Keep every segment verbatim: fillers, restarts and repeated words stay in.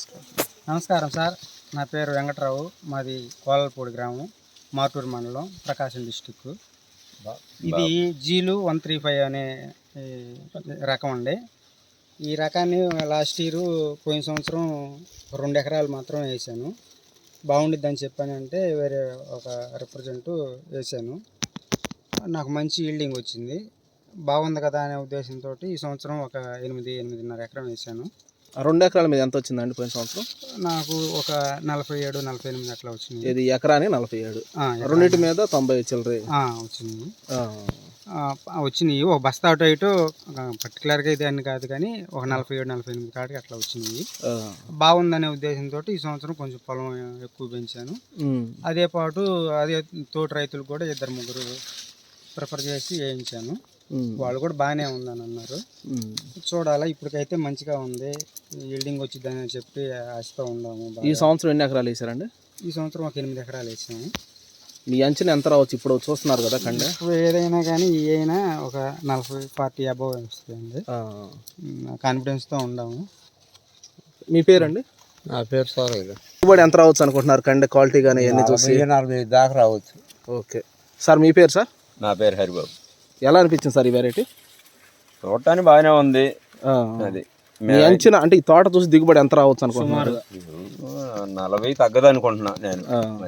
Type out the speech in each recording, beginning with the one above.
నమస్కారం. నమస్కారం సార్, నా పేరు వెంకట్రావు. మాది కోలపూడి గ్రామం, మాటూరు మండలం, ప్రకాశం డిస్టిక్. ఇది జీలు వన్ త్రీ ఫైవ్ అనే రకం అండి. ఈ రకాన్ని లాస్ట్ ఇయర్ పోయిన సంవత్సరం రెండు ఎకరాలు మాత్రం వేసాను. బాగుండిద్దని చెప్పానంటే వేరే ఒక రిప్రజెంట్ వేసాను. నాకు మంచి ఈల్డింగ్ వచ్చింది. బాగుంది కదా అనే ఉద్దేశంతో ఈ సంవత్సరం ఒక ఎనిమిది ఎనిమిదిన్నర ఎకరం వేసాను. రెండు ఎకరాల మీద ఎంత వచ్చిందండి పోయిన సంవత్సరం? నాకు ఒక నలభై ఏడు నలభై ఎనిమిది అట్లా వచ్చింది. ఇది ఎకరాని నలభై ఏడు రెండింటి మీద తొంభై చిల్లర వచ్చింది వచ్చినాయి ఒక బస్తా అటు ఇటు పర్టికులర్గా ఇది అని కాదు, కానీ ఒక నలభై ఏడు నలభై ఎనిమిది కాడికి అట్లా వచ్చినాయి. బాగుందనే ఉద్దేశంతో ఈ సంవత్సరం కొంచెం పొలం ఎక్కువ పెంచాను. అదే పాటు అదే తోటి రైతులు కూడా ఇద్దరు ముగ్గురు ప్రిఫర్ చేసి వేయించాను. వాళ్ళు కూడా బాగానే ఉందని అన్నారు. చూడాలా, ఇప్పటికైతే మంచిగా ఉంది, ఈల్డింగ్ వచ్చిందని చెప్పి ఆశతో ఉన్నాము. ఈ సంవత్సరం ఎన్ని ఎకరాలు వేసారండి? ఈ సంవత్సరం ఒక ఎనిమిది ఎకరాలు వేసాము. మీ అంచనా ఎంత రావచ్చు? ఇప్పుడు చూస్తున్నారు కదా కండే, ఏదైనా కానీ ఈ అయినా ఒక నలభై ఫార్టీ అబవ్ వస్తుందండి. కాన్ఫిడెన్స్తో ఉన్నాము. మీ పేరండి? నా పేరు సార్. దిగుబడి ఎంత రావచ్చు అనుకుంటున్నారు కండే క్వాలిటీ కానీ అన్ని చూసి? నలభై దాకా రావచ్చు. ఓకే సార్, మీ పేరు సార్? నా పేరు హరిబాబు. ఎలా అనిపించింది సార్ ఈ వెరైటీ? చూడటానికి బాగానే ఉంది. అది మీ అంచనా అంటే ఈ తోట చూసి దిగుబడి ఎంత రావచ్చు అనుకుంటున్నారు? నలభై తగ్గదు అనుకుంటున్నా నేను.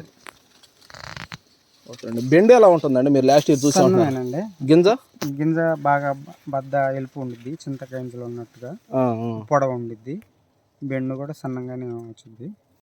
బెండు ఎలా ఉంటుందండి? మీరు లాస్ట్ ఇయర్ చూసానండి. గింజ గింజ బాగా బద్ద ఎలుపు ఉండిద్ది, చింతకాయ గింజలు ఉన్నట్టుగా పొడవు ఉండిద్ది. బెండు కూడా సన్నంగానే వచ్చింది.